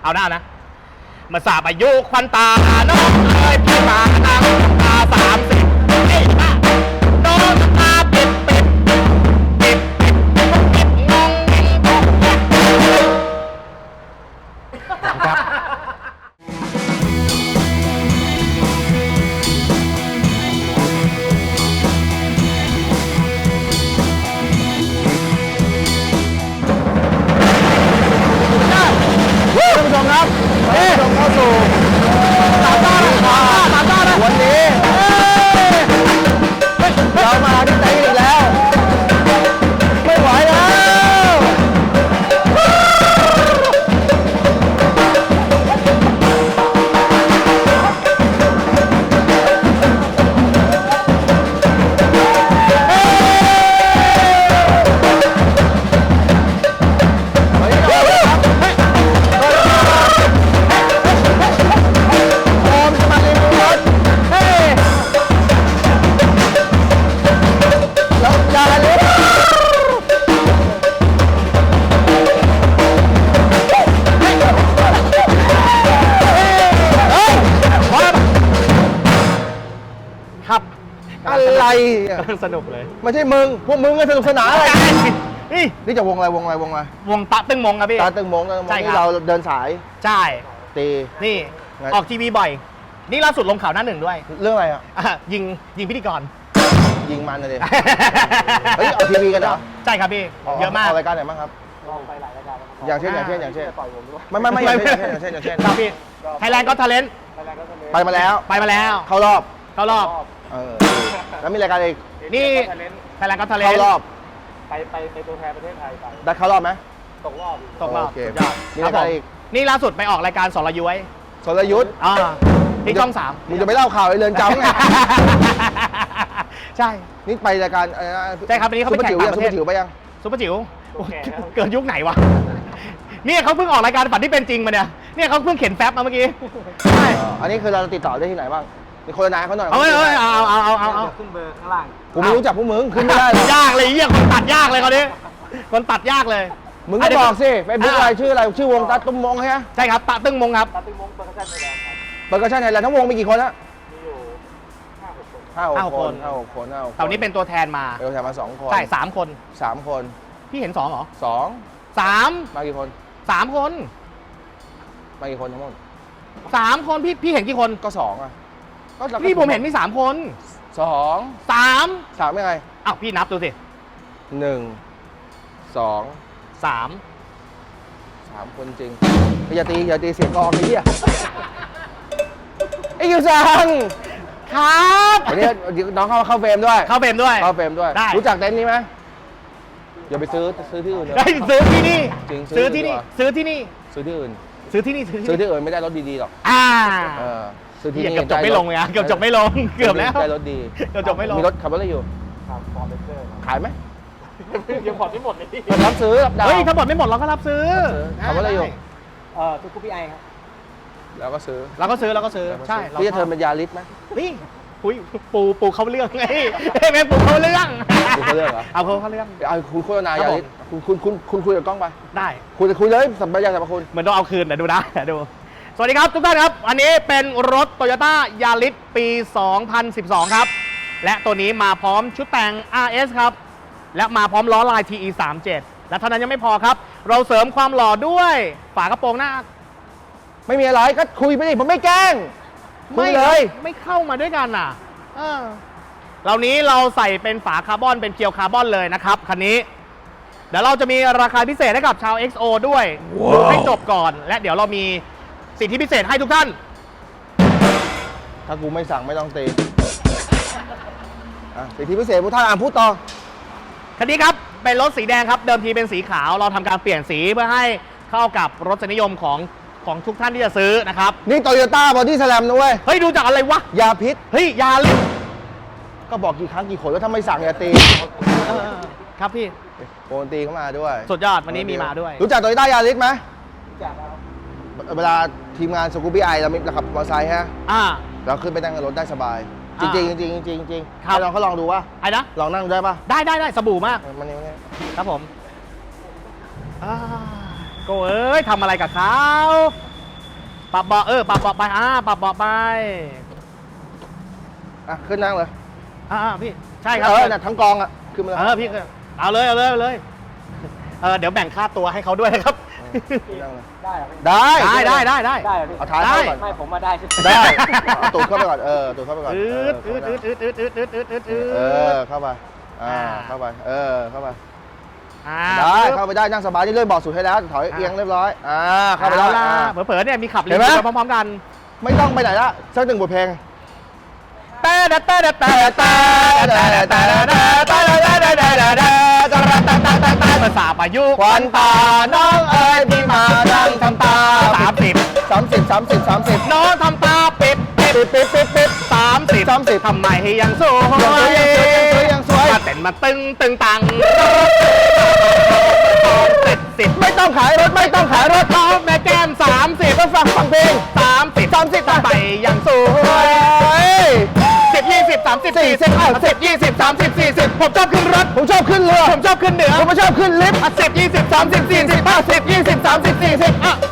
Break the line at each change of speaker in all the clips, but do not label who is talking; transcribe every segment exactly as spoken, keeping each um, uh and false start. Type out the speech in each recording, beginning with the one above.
เอาหน้านะมาสาบอายุควันตาน้องเอ้ยพี่ตาตั้งตาสามสิบเอ้ยป้าน้องตาปิดปิดปิดปิดปิดงงครับท่านผู้ชมครับท่านผู้ชมเข้าสู่สามต้าสามต้านะวันนี้เรามาที่ไหนอีกแล้วไม่ไหวแล้วอะไรสนุกเลยไม่ใช่มึงพวกมึงก็สนุกสนานอะไรนี่นี่จะวงอะไรวงอะไรวงอะไรวงตาตึงมงครับพี่ตาตึงมงตาตึงมงที่เราเดินสายใช่ตีนี่ออกทีวีบ่อยนี่ล่าสุดลงข่าวหน้าหนึ่งด้วยเรื่องอะไรอ่ะยิงยิงพิธีกรยิงมันเลยเฮ้ยออกทีวีกันเหรอใช่ครับพี่เยอะมากรายการไหนบ้างครับไปหลายรายการอย่างเช่นอย่างเช่นอย่างเช่นไม่ไม่ไม่อย่างเช่นอย่างเช่นอย่างเช่นครับพี่ไทยแลนด์ก็ทาเลนต์ไปมาแล้วไปมาแล้วเข้ารอบเข้ารอบเออแล้วมีรายการอีกนี่ไทยแลนด์ก็ทาเลนต์เข้ารอบไปไปไปตัวแทนประเทศไทยไปได้เข้ารอบไหมตกรอบตกรอบสุดยอดมีรายการอีกนี่ล่าสุดไปออกรายการสรยุทธ์สรยุทธ์อ่าที่ช่องสามมึงจะไปเล่าข่าวไอ้เรือนจำไงใช่นี่ไปรายการอะไรนะใช่ครับวันนี้เขาไปแข่งต่างประเทศซุปเปอร์จิ๋วไปยังซุปเปอร์จิ๋วเกิดยุคไหนวะนี่เขาเพิ่งออกรายการฝันที่เป็นจริงมาเนี่ยเนี่ยเขาเพิ่งเขียนแฟบมาเมื่อกี้ใช่อันนี้คือเราติดต่อได้ที่ไหนบ้างมีโฆษณาเขาหน่อยเอาเอาเอาเอาเอาเอาขึ้นเบอร์ข้างล่างผมไม่รู้จักพวกมึงขึ้นไม่ได้ยากเลยเยี่ยคนตัดยากเลยเขาเนี่ยคนตัดยากเลยมึงก็บอกสิเฟซบุ๊กอะไรชื่ออะไรชื่อวงตาตึงมงใช่ไหมใช่ครับตาตึงมงครับตาตึงมงเบอร์กระชันไทยแลนด์ครับเบอร์กระชันไทยแลนด์ทั้งวงมีกี่คนนะมีอยู่ห้าหกคนห้าหกคนห้าหกคนตอนนี้เป็นตัวแทนมาเป็นตัวแทนมาสองคนใช่สามคนสามคนพี่เห็นสองเหรอสองสามมากี่คนสามคนมากี่คนทั้งหมดสามคนพี่พี่เห็นกี่คนก็สองอ่ะนี่ผมเห็นมีสามคนสองสามสามยังไงอ้าวพี่นับดูสิหนึ่งสองสามสามคนจริงอย่าตีอย่าตีเสียงกองไอ้เหี้ยไอ้ยูซังครับวันนี้น้องเข้าเข้าเฟรมด้วยเข้าเฟรมด้วยเข้าเฟรมด้วยรู้จักเต็นท์นี้ไหมอย่าไปซื้อซื้อที่อื่นได้ซื้อที่นี่จริงซื้อที่นี่ซื้อที่นี่ซื้อที่อื่นซื้อที่นี่ซื้อที่อื่นไม่ได้รถดีๆหรอกอ่าซื้อที่นี่เกือบจบไม่ลงเลยอ่ะเกือบจบไม่ลงเกือบแล้วได้รถดีเกือบจบไม่ลงมีรถขับรถอะไรอยู่ครับฟอร์เรสเตอร์ขายไหมยังผ่อนไม่หมดเลยพี่รับซื้อรับดาวเฮ้ยถ้าผ่อนไม่หมดเราก็รับซื้อขับรถอะไรอยู่เออซูกูปี้ไอครับแล้วก็ซื้อแล้วก็ซื้อแล้วก็ซื้อใช่พี่จะเทิร์นเป็นยาริสไหมนี่คุยปูปูเขาเรื่องไงแม่ปูเขาเรื่องปูเขาเรื่องเหรอเอาเขาเขาเรื่องเอาคุณโฆษณายาริสคุณคุณคุณคุณคุยกับกล้องไปได้คุยคุยเลยสัมปทานสรรพคุณเหมือนต้องเอาคืนนะดูนะดูสวัสดีครับทุกท่านครับอันนี้เป็นรถ Toyota Yaris ปี สองพันสิบสอง ครับและตัวนี้มาพร้อมชุดแต่ง อาร์ เอส ครับและมาพร้อมล้อลาย ที อี สามสิบเจ็ด และเท่านั้นยังไม่พอครับเราเสริมความหล่อด้วยฝากระโปรงหน้าไม่มีอะไรก็คุยไปดิผมไม่แกล้งไม่เลยไม่เข้ามาด้วยกันอ่ะเออเหล่านี้เราใส่เป็นฝาคาร์บอนเป็นเพียวคาร์บอนเลยนะครับคันนี้เดี๋ยวเราจะมีราคาพิเศษให้กับชาว เอ็กซ์ โอ ด้วยดูให้จบก่อนและเดี๋ยวเรามีสิทธิพิเศษให้ทุกท่านถ้ากูไม่สั่งไม่ต้องตีสิทธิพิเศษพวกท่านอ่านพูดต่อคันนี้ครับเป็นรถสีแดงครับเดิมทีเป็นสีขาวเราทำการเปลี่ยนสีเพื่อให้เข้ากับรสนิยมของของทุกท่านที่จะซื้อนะครับนี่โตโยต้าบอดี้สแลมนะเว้ยเฮ้ยดูจากอะไรวะยาพิษเฮ้ยยาลิก็บอกกี่ครั้งกี่คนว่าถ้าไม่สั่งอย่าตีครับพี่โปรตีเข้ามาด้วยสุดยอดวันนี้มีมาด้วยรู้จักโตโยต้ายาริสไหมรู้จักครับเวลาทีมงานสกูบี้ไอเราเราขับมอเตอร์ไซค์ฮะอ่าเราขึ้นไปนั่งในรถได้สบายจริงจริงจริงจริงจริงให้ลองเขาลองดูว่าไอ้นะลองนั่งได้ปะได้ได้ได้สบู่มากมันนี่ครับผม
โก้เอ้ยทำอะไรกับเขาปรับเบาะเออปรับเบาะไปอ่าปรับเบาะไป
อ่ะขึ้นนั่งเลย
อ่าพี่ใช่ครับ
เออน่ะทั้งกองอ่ะขึ้นมาเลย
เออพี่ก็เอาเลยเอาเลยเอาเลยเออเดี๋ยวแบ่งค่าตัวให้เขาด้วยนะครับ
ขึ้นนั่งเลย
ได้เหรอ
ได้
ได้ได้ได้ได้
ได้เหรอพี่
เอาท้ายเข้าก่อน
ไม่ผมมาได้ใช่ไหม
ได้เอาตูดเข้าไปก่อนเออตูดเข้าไปก่อน
อื
เออ
ดอืดอืดอืดอืดอืดอืดอืดอืดอื
เออ
ด
เข้าไปอ่าเข้าไปเออเข้าไป
อ่า
ได้เข้าไปได้นั่งสบายนี่เลื่อนเบาะสุดให้แล้วถอยเอียงเรียบร้อยอ่าเข้าไป
แล้
แล้ว ว
ล่ะ
อ่า
เผลอๆเนี่ยมีขับ
เห็นไหม
รีวิวพร้อมๆกัน
ไม่ต้องไปไหนละสักหนึ่งบทเพลง
แต่แต่แต่แต่แต่ภาษาประยุกต์
ควันตาน้องเอ๋ยพี่มานั่งทำตา
สามสิบ
สามสิบสามสิบสามสิบ
น้องทำตาปิดปิด
ปิดปิดปิดปิด
สามสิบ
สามสิบ
ทำไมให้ยังสวย
ยังสวยยังสวย
มาเต้นมาตึงตึงตังเจ็ดสิบ
ไม่ต้องขายรถไม่ต้องขายรถ
น้องแม่แก้มสามสิบ
ก็ฟังฟังเพลง
สามสิบ
สามสิบ
ทำไมยังสว
โอ้
ย
ย
สิบยี่สิบสามสิบสี่สิบห้าสิบยี่สิบสามสิบสี่สิบผมชอบขึ้นรถ
ผมชอบขึ้นเรือ
ผมชอบขึ้นเหนือ
ผมไม่ชอบขึ้นลิฟต์
สิบยี่สิบสามสิบสี่สิบห้าสิบยี่สิบสามสิบสี่สิบอ่ะ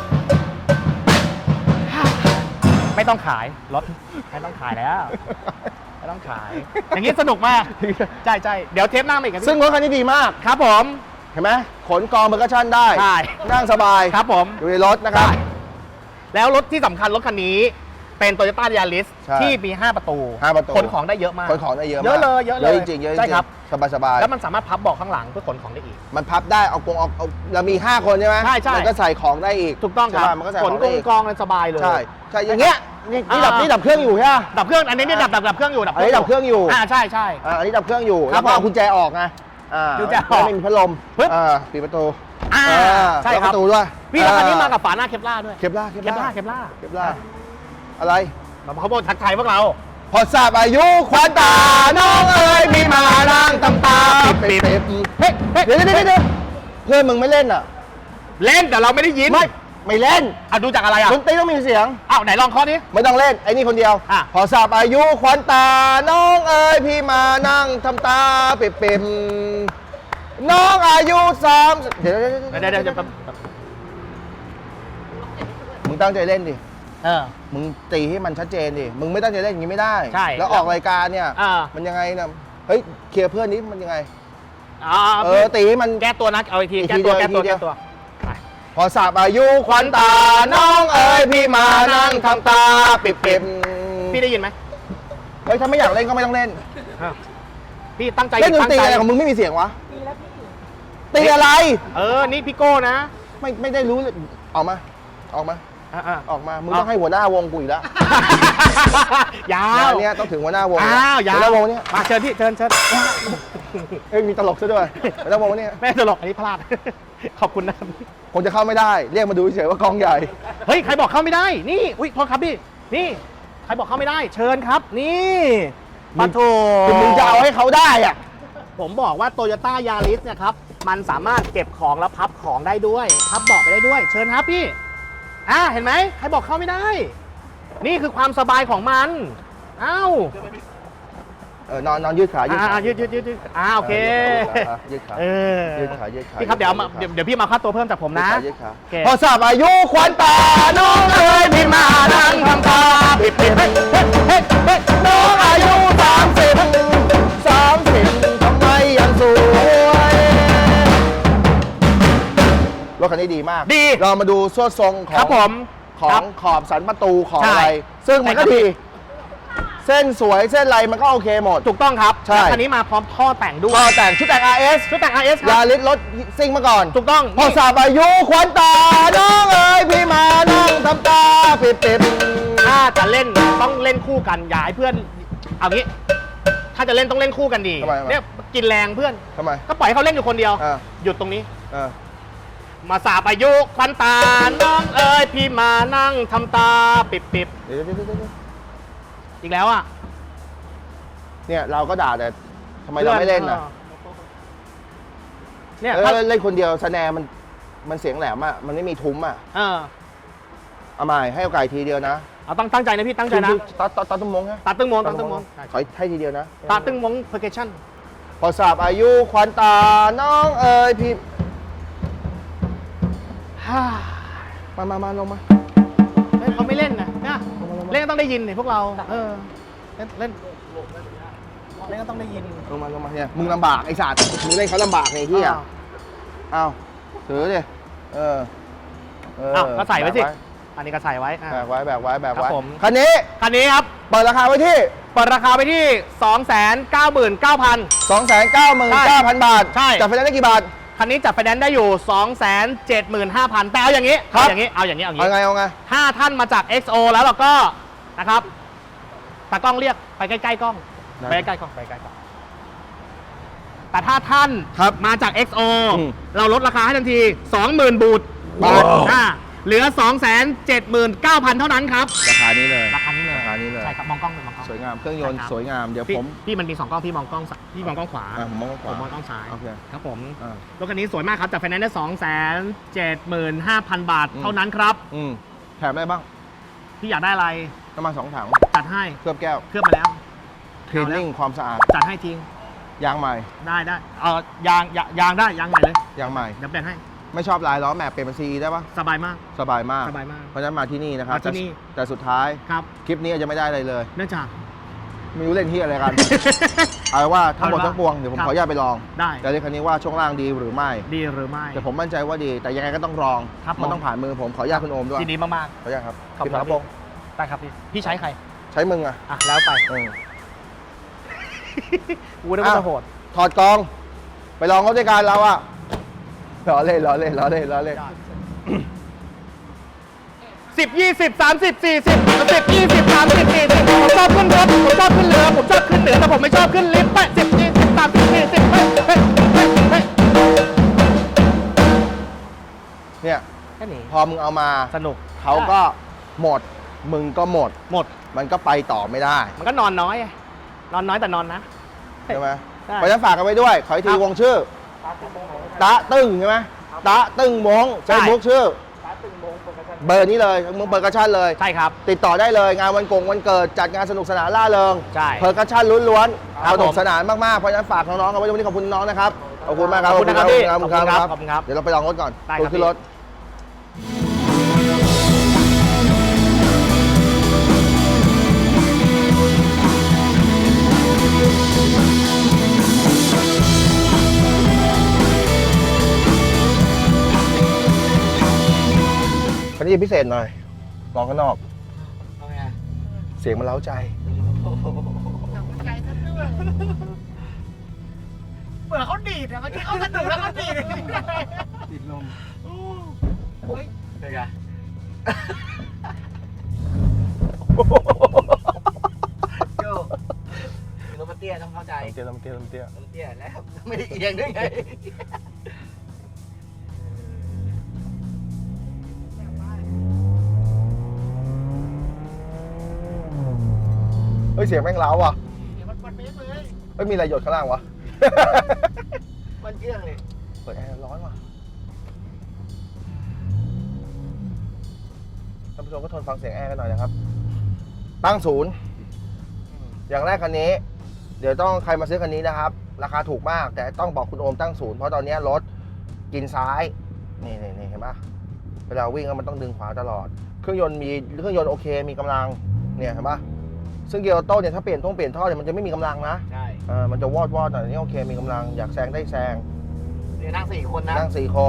ไม่ต้องขายรถไม่ต้องขายแล้วไม่ต้องขาย อย่างนี้สนุกมากใช่ใช่เดี๋ยวเทปหน้ามาอีกครับพี่
ซึ่งรถคันนี้ดีมาก
ครับผม
เห็นไหมขนกองเบอร์กชั่นได้
ใช่
นั่งสบาย
ครับผม
อยู่ในรถนะครับ
แล้วรถที่สำคัญรถคันนี้เป็น Toyota Yaris
ใช่
ที่มี ห้า ประตู
ห้าประตู
ขนของได้เยอะมาก
ขนของได้เยอะมาก
เยอะเลยเยอะเลย
จริงๆเยอะจริง
ใช่ครับ
สบายสบายๆ
แล้วมันสามารถพับเบาะข้างหลังเพื่อขนของได้อีก
มันพับได้เอากงเอาเอาเรามีห้าคนใช่ไหม
ใช่ใช่
มันก็ใส่ของได้อีก
ถูกต้องครับ
ใช่มันก็ใส่
ข
ข
น
อง
ก
ได้
ง
อีก
กองกันสบายเลย
ใช่ใช่อย่างเงี้ยนี่นี่ดับ
อ่านี่
นี่ดับเครื่องอยู่ใช่ไหม
ดับเครื่องอันนี้นี่ดับดับดับเครื่องอยู่ดับ
อันนี้ดับเครื่องอยู่
อ่าใช่ใช่
อ่าอันนี้ดับเครื่องอยู่
ครั
แล้
บ
วก็เอา
ผม
กุญแจออกไงอ่า
กุญแจออก
ไม่มีพัดลม
ปึ๊บ
อ่าปิดประตู
อ่า
อ่า
ใช่
ล็อก
ค
ป
รับ
ระตูด้วย
พี่แล้วคันนี้
อ่
มากับฝาหน้าเคปล่าด้วย
เคปล่าเคป
เคปล่า
ล่า
เคปล่า
เคปล่าอะไร
เขาบอกทักทายพวกเรา
พอทราบอายุควันตาน้องเอ๋ยพี่มานั่งตำตาปิดปิดเฮ้ยเฮ้ยเดี๋ยวเดี๋ยวเดี๋ยวเพื่อนมึงไม่เล่นอ่ะ
เล่นแต่เราไม่ได้ยิน
ไม่ไม่เล่น
อ่ะดูจากอะไรอ่ะ
ดนตรีต้องมีเสียง
อ้าวไหนลองเคอดิ
ไม่ต้องเล่นไอ้นี่คนเดียว
อ่ะ
พอทราบอายุควันตาน้องเอ๋ยพี่มานั่งทำตาปิดปิดน้องอายุสามเดี๋ยว
เดี๋ยวเดี๋ยวเดี๋ยว
มึงตั้งใจเล่นดิ
เออ
มึงตีให้มันชัดเจนดิ มึงไม่ตั้งใจเล่นอย่างนี้ไม่ได้
ใช่
แล้วออกรายการเนี่ย
อ่า
มันยังไงนะเฮ้ยเคลียร์เพื่อนนี้มันยังไง
อ่า
เออตีให้มัน
แก้ตัวนะเอาอีกที
อีก
แก้
ที
ตัว
เดียว
แก้ตัว
อีกทีเดียว
แก้ตัวไป
พอทราบอายุควันตาน้องเอ๋ยพี่มานั่งทำตาปิดปิด
พี่ได้ยินไหม
เฮ้ยถ้าไม่อยากเล่นก็ไม่ต้องเล่น
พี่ตั้งใจ
เล่นดน
ตั้ง
ตรี
ใจ
อะไรของมึงไม่มีเสียงวะตีอะไร
เออนี่พี่โก้นะ
ไม่ไม่ได้รู้เลยออกมา ออกมา
อ่า
ออกมา มึงต้องให้หัวหน้าวงกูอีกแล้ว
ๆยาว
งานเนี้ยต้องถึงหัวหน้าวง
อ้าวยาว
หัวหน้าวงเนี่ย
มาเชิญพี่เชิญเชิญ
เอ้ยมีตลกซะด้วยหัวหน้าวงเนี่ย
ไม่ตลกอันนี้พลาด ขอบคุณนะครับ
คงจะเข้าไม่ได้ เรียกมาดูเฉยๆว่ากองใหญ่
เฮ้ยใครบอกเข้าไม่ได้ นี่อุ้ยโทษครับพี่นี่ใครบอกเข้าไม่ได้ เชิญครับ นี่ปะโถ
คือมึงจะเอาให้เขาได้อะ
ผมบอกว่า Toyota Yaris เนี่ยครับ มันสามารถเก็บของแล้วพับของได้ด้วย พับเบาะไปได้ด้วย เชิญครับพี่ อ่าเห็นไหมใครบอกเข้าไม่ได้ นี่คือความสบายของมัน เอ้า
เออนอนนอนยืดขายืด
อ่า
ขา
ยืดยืดยืดยืดอ่าโอเค
ยืดขา
เออ
ยืดขายืดขา
พี่ครับเดี๋ยวมา
ยื
เดี๋ย
ดขา
วเดี๋ยวพี่มาค่าตัวเพิ่มจากผมนะ
ยืดขา
โอเค
พอทราบอายุควันตาน้องเอ๋ยพี่มานั่งทำตาปิดปิดเฮ้ยเฮ้ยเฮ้ยเฮ้ยน้องอายุสามสิบสามสิบทำไมยังสวยรถคันนี้ดีมาก
ดี
เรามาดูสวดทรงข
ค
อ
รับ
ง
ผม
ขอ
ครั
ง
บ
ขอบสันประตูของ
ใช่
อะไร ซึ่งมันก็
ใช่ครับ
ดี เส้นสวยเส้นอะไรมันก็โอเคหมด
ถูกต้องครับ
ใช่
แล้วคันนี้มาพร้อมท่อแต่งด้ว
ก็
ย
แต่งชุดแต่ง อาร์ เอส
ชุดแต่ง อาร์ เอส ค
ยา
รับ
ลิสรถซิ่งมาก่อน
ถูกต้อง
พอทราบอายุควันตาน้องเอ๋ยพี่มานั่งทำตาปิดปิด
ถ้าจะเล่นต้องเล่นคู่กันอย่าให้เพื่อนเอางี้ ถ้าจะเล่นต้องเล่นคู่กันดี
ทำไมทำไม
เนี่ยกินแรงเพื่อน
ทำไม
ก็ปล่อยให้เขาเล่นอยู่คนเดียว
อ่า
หยุดตรงนี้
เออ
มาสาบอายุควันตา น้องเอ๋ยพี่มานั่งทำตาปิบปิบ
เดี๋ยวเดี๋ยวเดี๋ยวเดี๋ยว
อีกแล้วอ่ะ
เนี่ยเราก็ด่าแต่ทำไมเราไม่เล่นอ่ะ
เนี่ย
เอ
ถ้า
อเล่นคนเดียวสแนร์มันมันเสียงแหลมอ่ะมันไม่มีทุ้มอ่ะ
เออ
เอาใหม่ให้โอกาสทีเดียวนะ
เอาตั้งตั้งใจนะพี่ตั้งใจนะ
ตัดตัดตัดตุ้มมงฮะ
ตาตึ้งมงตาตึ้งมง
ขอให้ทีเดียวนะ
ตาตึ้งมงเพอร์เกชั่น
พอทราบอายุควันตาน้องเอ๋ยพี่
ฮ
มามามาลงมา
เฮ้ยเขาไม่เล่นนะนะเล่นก็ต้องได้ยินนี่พวกเรา เออ เล่นเล่นเล่นก็ต้องได้ยิน
ลงมาลงมาเนี่ยมึงลำบากไอ้สัตว์มึงเล่นเขาลำบากไงที่อ่ะอ้าวถือดิเออเออ
อ้าวก็ใส่ไว้สิ อันนี้ก็ใส่ไว้อ่ะ
แบกไว้แบกไว้แบก
ครั
ไว้
บผม
คันนี้
คันนี้ครับ
เปิดราคาไว้ที่
เปิดราคาไปที่ สองแสนเก้าหมื่นเก้าพัน
สองแสนเก้าหมื่นเก้าพัน บาท
ใช่
จัดไฟแนนซ์ได้กี่บาท
คันนี้จัดไฟแนนซ์ได้อยู่ สองแสนเจ็ดหมื่นห้าพัน แต่เอาอย่างนี้
ครับ
เอาอย่างนี้ เอาอย่างนี้ เอาอย่าง
เอา
นี้
ไงเอาไง
ถ้าท่านมาจาก เอ็กซ์ โอ แล้วเราก็นะครับตากล้องเรียกไปใกล้ๆกล้อง
ได้
ไปใกล้ๆกล้องไปใกล้ๆกล้อง แต่ถ้าท่าน
ครับ
มาจาก เอ็กซ์ โอ
อืม
เราลดราคาให้ทันที สองหมื่น บูท
บาท
อ่าเหลือ สองแสนเจ็ดหมื่นเก้าพัน เท่านั้นครับ
ราคานี้เลย
ราคานี้เลย
ราคานี้เลย
ใช่ครับ มองกล้องเลยมองกล้อง
สวยงามเครื่องยนต์
ใช่ครับ
สวยงามเดี๋ยว
พี่
ผม
พี่มันมีสองกล้องพี่มองกล้องซ้ายพี่มองกล้องขวา
อ่ะผมมองข
ผ
วาม
มองกล้องซ้าย
โอเค
ครับผม
อ่าร
ถคันนี้สวยมากครับจากไฟแนนซ์ได้สองแสนเจ็ดหมื่นห้าพันบาท
อืม
เท่านั้นครับ
อืมแถมได้บ้าง
พี่อยากได้อะไร
น้ำมันสองถัง
จัดให้
เคลือบแก้ว
เคลือบมาแล้ว
คลีนนิ่งความสะอาด
จัดให้จริง
ยางใหม่
ได้ได้เออยางยางยางได้ยางใหม่เลย
ยางใหม่
เดี๋ยวเปลี่ยนให้
ไม่ชอบลายล้อแม็กเปลี่ยนเป็นซีได้ปะ
สบายมาก
สบายมาก
สบายมาก
เพราะฉะนั้นมาที่นี่นะครับ
มาที่นี่
แต่แต่สุดท้าย
ครับ
คลิปนี้อาจจะไม่ได้อะไรเลย
เนื่องจาก
ไม่รู้เล่นที่อะไรกัน เอาว่าทั้งหมด
เอาว่า
ทั้งปวงเดี๋ยวผม
ครับ
ขออนุญาตไปลอง
ได้
แต่เรื่องคันนี้ว่าช่วงล่างดีหรือไม่
ดีหรือไม่
แต่ผมมั่นใจว่าดี แต่ยังไงก็ต้องลอง
ครับ
มัน
ผม
ต้องผ่านมือผมขออนุญาตคุณโอมด้วย
ยินดีมาก
ขออนุญาตครับ
ขอบคุณ
พี่ฝา
ครับ
โปรง
ๆได้ครับพี่พี่ใช้ใคร
ใช้มึงอ่ะ
อ่ะแล้วไป
เออ
กูได้ว่าจะโหด
ถอดกอง ไปลองเขาด้วยกันเราอ่ะล้อเล่นล้อเล่นล้อเล่นล้อเล่น
สิบยี่สิบสามสิบสี่สิบสิบยี่สิบสามสิบสี่สิบผมชอบขึ้นรถผมชอบขึ้นเรือผมชอบขึ้นเหนือแต่ผมไม่ชอบขึ้นลิฟต์ไปสิบยี่สิบสามสิบสี่สิบเฮ้ยเฮ้ยเฮ้ยเฮ้ย
เนี่ย
แค่นี้
พอมึงเอามา
สนุก
เขาก็หมด มึงก็หมด
หมด
มันก็ไปต่อไม่ได้
มันก็นอนน้อยไงนอนน้อยแต่นอนนะ
ใช่ไหม
ใช่
เพราะฉะนั้นฝากกันไว้ด้วย ขออีกที
ครับ
วงชื่อ ตะตึ้งใช่ไหมตะตึ้งมง
ใช่
เฟซบุ๊กชื่อ เบอร์นี้เลยมึงเปิดกระชั่นเลย
ใช่ครับ
ติดต่อได้เลย งานวันกงวันเกิด จัดงานสนุกสนานล่าเริง
ใช่
เปิดกระชั่นล้วนๆ
ครับ
สนุก
ผม
สนานมากๆ เพราะฉะนั้นฝากน้องๆกันไว้วันนี้ขอบคุณน้องนะครับ ขอบคุณมากครับ
ขอบคุณนะครับพี่
ขอบคุณครับ
ขอบคุณครับ
เดี๋ยวเราไปลองรถก่อน
ได้ครับ
ขึ้นรถ คันนี้พิเศษหน่อยลองข้างนอก เสียงมันเล้าใจ
เบื่อเขาดีดอะเมื่อกี้เขาสนุกแล้วเขาดีด
ติดลม
เป็นไง
โจ้รถมันเตี้ยต้องเข้าใจ
เตี้ยลมเตี้ยลมเตี้ย
รถเตี้ยแล้วไม่ได้เอียงด้วยไง
เฮ้ยเสียงแม่งเล้าอ่ะ
มันมันเป๊ะเลย
ไม่มีอะไรหยดข้างล่างวะ
มันเชื่องเลย
เปิดแอร์ร้อนว่ะท่านผู้ชมก็ทนฟังเสียงแอร์กันหน่อยนะครับ ตั้งศูนย์ อย่างแรกคันนี้ เดี๋ยวต้องใครมาซื้อคันนี้นะครับ ราคาถูกมาก แต่ต้องบอกคุณโอมตั้งศูนย์ เพราะตอนนี้รถกินซ้าย นี่นี่นี่เห็นปะเวลาวิ่งแล้วมันต้องดึงขวาตลอด เครื่องยนต์มีเครื่องยนต์โอเค มีกำลัง เนี่ยเห็นปะซึ่งเกียร์ออโต้เนี่ยถ้าเปลี่ยนท่งเปลี่ยนท่อเนี่ยมันจะไม่มีกำลังนะ
ใช่
เออมันจะวอดวอดหน่อยนี่โอเค มีกำลัง อยากแซงได้แซง
เดี๋ยวนั่งสี่คนนะ
นั่งสี่คน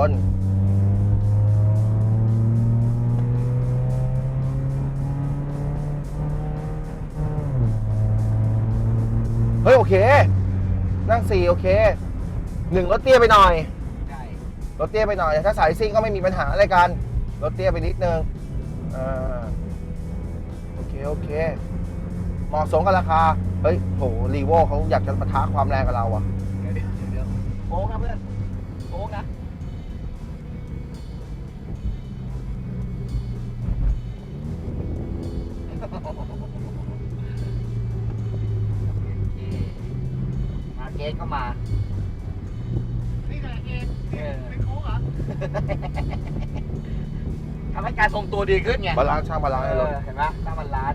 เฮ้ย โอเค นั่งสี่โอเคหนึ่งรถเตี้ยไปหน่อย
ใช่
รถเตี้ยไปหน่อย ถ้าสายซิ่งก็ไม่มีปัญหาอะไรกัน รถเตี้ยไปนิดนึงอ่าโอเค โอเค เหมาะสมกับราคา เฮ้ยโหรีโวเขาอยากจะปะทะความแรงกับเราอะ
เดี๋ยวเดี๋ยวเดี๋ยวโอ๊กนะเพื่อนโอ๊กนะมาเกสก็มา
นี่ไงเอง
เออ
เป็นโค้งเหรอ
ทำให้การทรงตัวดีขึ้นไง
บาลานซ์ช่างบาลานซ์ให้รถ
เออเห็นไหมถ้ามันล้าน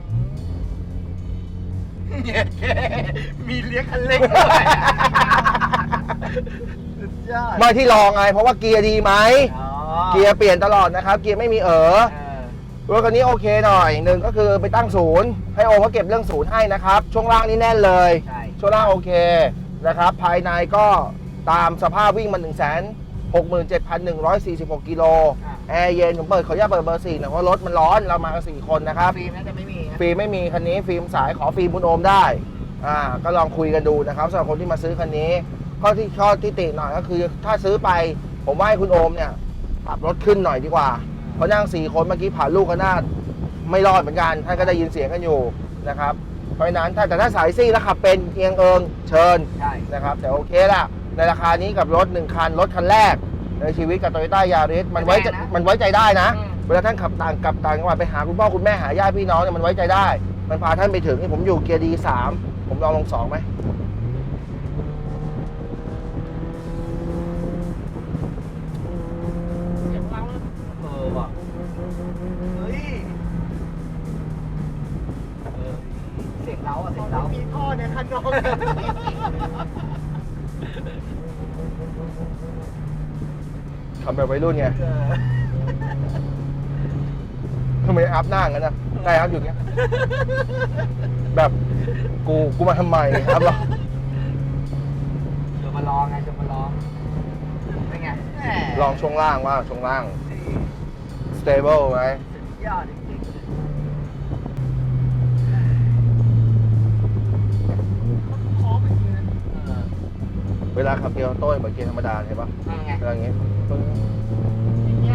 เนี่ยมีเลี้ยงคันเร่งด้วยสุดยอด
ไม่ที่ลองไงเพราะว่าเกียร์ดีไหม
อ๋อ
เกียร์เปลี่ยนตลอดนะครับเกียร์ไม่มีเออ
เออ
รถคันนี้โอเคหน่อยหนึ่งก็คือไปตั้งศูนย์ให้โอมเขาเก็บเรื่องศูนย์ให้นะครับช่วงล่างนี่แน่นเลย
ใช่
ช่วงล่างโอเคนะครับภายในก็ตามสภาพวิ่งมัน หนึ่งแสนหกหมื่นเจ็ดพันหนึ่งร้อยสี่สิบหก กิโลแอร์เย็นผมเปิดขออนุญาตเปิดเบอร์สี่หน่อยเพราะรถมันร้อนเรามากันสี่คนนะครับ
ฟิล์มน่าจะไม่มีนะ
ฟิล์มไม่มีคันนี้ฟิล์มสายขอฟิล์มคุณโอมได้อ่าก็ลองคุยกันดูนะครับสำหรับคนที่มาซื้อคันนี้ข้อที่ข้อที่ติหน่อยก็คือถ้าซื้อไปผมว่าให้คุณโอมเนี่ยปรับรถขึ้นหน่อยดีกว่าเพราะนั่งสี่คนเมื่อกี้ผ่านลูกกันหน้าไม่รอดเหมือนกันท่านก็ได้ยินเสียงกันอยู่นะครับเพราะฉะนั้นถ้าแต่ถ้าสายซี่แล้วขับเป็นเอียงเอิงเชิญ
ใช่
นะครับแต่โอเคละในราคานี้กับรถหนึ่งคันรถคันแรกในชีวิตกับ Toyota Yaris มันไว้ใจมันไว้ใจได้นะ เวลาท่านขับต่างกลับต่างจังหวัดไปหาคุณพ่อคุณแม่หาญาติพี่น้องเนี่ยมันไว้ใจได้ มันพาท่านไปถึงนี่ผมอยู่เกียร์ดีสามผมลองลงสองไหม
เออว่ะเฮ้ยเออเสียงเล้าอ่ะเสียงเล้ามีท่อในคันน้อง
ทำแบบวัยรุ่นไงทำไมอัพหน้างั้นนะได้อัพอยู่เงี้ยแบบกูกูมาทำไมอัพหรอ
จะมาลองไงจะมาลองเป็นไงแหม
ลองช่วงล่างว่าช่วงล่าง stable ไหม
สุดยอดจริงๆเออ
เวลาขับเกียร์ออโต้เหมือนเกียร์ธรรมดาเห็นปะ
นั่นไง
อะไรอย่างเงี้ยปึ้ง
อย่างเงี้ย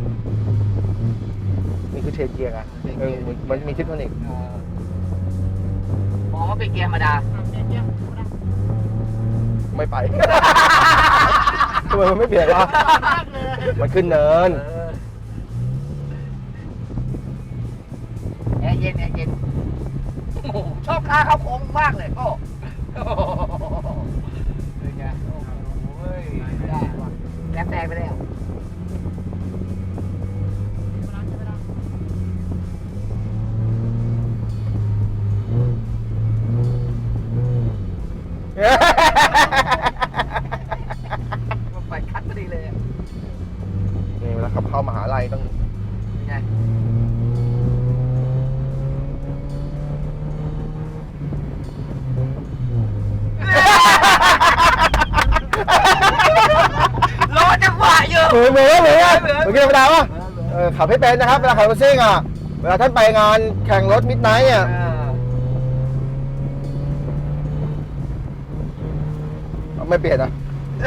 นี่คือเชนเกียร์ไงเออมันมันมีทิปโทนิก
เออมองว่าเป็นเกียร์ธรรมดา
ไม่ไป ทำไมมันไม่เปลี่ยนวะมันขึ้นเนิน
เออแอร์เย็นแอร์เย็นโอ้โหชอบค่าเข้าโค้งมากเลยโอ้โอ้โหเป็นไงโอ้โหเว้ยได้ว่ะแลบแดงไปแล้ว มันไปคัดพอดีเลยอะ
นี่เวลาขับเข้ามหาลัยต้อง
เป็นไง รอจังหวะอยู่
เหมือนเหมือนเหมือนเหมือนเกียร์ธรรมดาวะเออขับให้เป็นนะครับเวลาขับรถซิ่งอ่ะเวลาท่านไปงานแข่งรถมิดไนท์อ่ะ
เออ
ไม่เปลี่ยนอ่ะ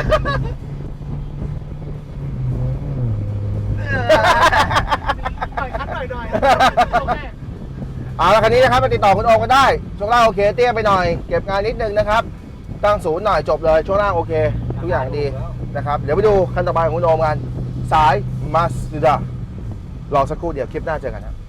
หน่อยคัดหน่อยหน่อยโอเค
เอาละคันนี้นะครับมาติดต่อคุณโอมกันได้ช่วงล่างโอเคเตี้ยไปหน่อยเก็บงานนิดนึงนะครับตั้งศูนย์หน่อยจบเลยช่วงล่างโอเค ทุกอย่างดีนะครับเดี๋ยวไปดูคันต่อไปของคุณโอมกันสายมาสด้ารอสักครู่เดี๋ยวคลิปหน้าเจอกันครับ